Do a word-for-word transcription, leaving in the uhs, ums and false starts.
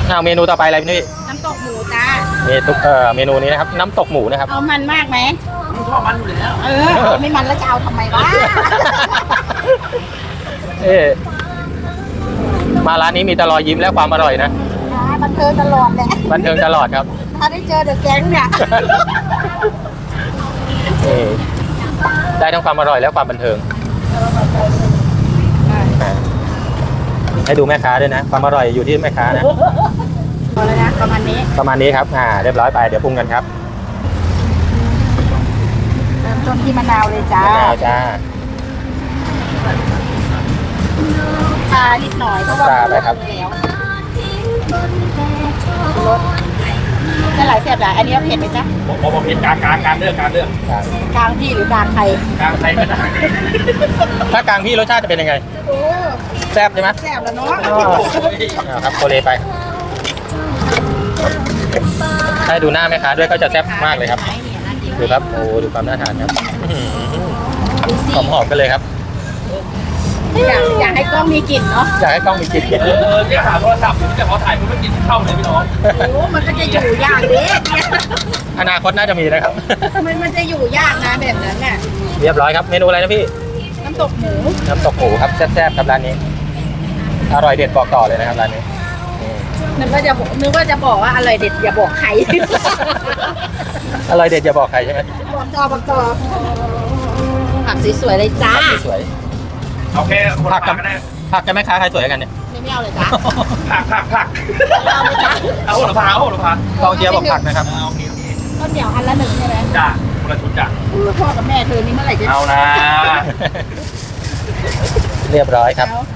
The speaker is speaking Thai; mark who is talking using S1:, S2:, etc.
S1: เอาเมนูต่อไปอะไรพี่นุ้ย
S2: น้ำตกหมูจ้า
S1: เมนูเอ่อเมนูนี้นะครับน้ำตกหมูนะครับ
S2: เอามันมากไหม
S3: มึงชอบมันอยู่แล้ว
S2: เออเอาไม่มันแล้วจะเอาทำไมวะ
S1: เอ๊ะมาร้านนี้มีแต่รอยยิ้มและความอร่อยนะ
S2: อ่าบันเทิงตลอดแหละ
S1: บันเทิงตลอดครับ
S2: ถ้าได้เจอเดอะแก๊งเนี่ย
S1: นี่ได้ทั้งความอร่อยและความบันเทิงอ่าให้ดูแม่ค้าด้วยนะ ความอร่อยอยู่ที่แม่ค้านะ
S2: พอแล้วนะประมาณนี้
S1: ประมาณนี้ครับอ่าเรียบร้อยไปเดี๋ยวปรุงกันครับ
S2: เริ่มต้นที่มะนาวเลยจ้าม
S1: ะนาวจ้า
S2: ชานิดหน่อยเพราะว่า
S1: ชาไปครับ
S2: แล้วรสจะหลายเสียบหลายอันนี้เอาเผ็ดไหมจ๊ะ
S3: ผมผมเห็นกลางกลางกลางเลือกกลางเลือก
S1: ครับ
S2: กลางพี่หรือกลางใคร
S3: กลางใครก็ได้
S1: ถ้ากลางพี่รสชาติจะเป็นยังไง
S2: โอ้
S1: แซ่บใช่ไหม
S2: แซ่บแล้วเนาะ
S1: อ๋อเอาครับโคเลไปให้ดูหน้าแม่ค้าด้วยก็จะแซ่บมากเลยครับ ดูครับโอ้ดูความน่าทานครับหอมหอมๆกันเลยครับ
S2: อยากอยากให้กล้องมีกลิ่นเนาะ
S1: อยากให้กล้องมีกลิ่น
S3: เออเออเนี่ยหาโทรศัพท์อยู่แต่พอถ่ายมันไม่กินเข้าเลยพี่น้อง
S2: โอ้มันก็จะอยู่ยากเด็กเนี่ย
S1: อนาคตน่าจะมีนะครับ
S2: มันมันจะอยู่ยากนะแบบนั้นน่ะ
S1: เรียบร้อยครับเมนูอะไรนะพี่
S2: น้ำตกหมู
S1: น้ำตกหมูครับแซ่บๆครับร้านนี้ อร่อยเด็ดบอกต่อเลยนะครับร้านนี้นี่
S2: นึกว่าจะบอกนึกว่าจะบอกว่าอร่อยเด็ดอย่าบอกใคร
S1: อร่อยเด็ดอย่าบอกใครใช่ไหม
S2: บอกต่อบอกต่อผักสวยๆเลยจ้า
S1: ผักสวย
S3: โอเคคน
S1: ผั
S3: ละ
S1: ก
S3: ผั
S1: กั
S3: ก
S1: บ
S3: ก็ได้
S1: ผักกับแม่ค้าใครสวยกันเนี่ย
S2: ไม่ไม่เอาเลยจ้า
S3: ผักผักผัก
S2: เอาเลยจ้า
S3: เอาโหระพาเอาโหระพาก
S1: องเชียร์บอกผักนะครับ
S3: เอาโอเคโอเค
S2: ต้นเดียวอันละหนึ่งใช่ไหม
S3: จ้าคนละชุดจ้ะ
S2: พ่อกับแม่เธอนี่เมื่อไหร่จะ
S3: เอานะ
S1: เรียบร้อยครับ
S2: เอา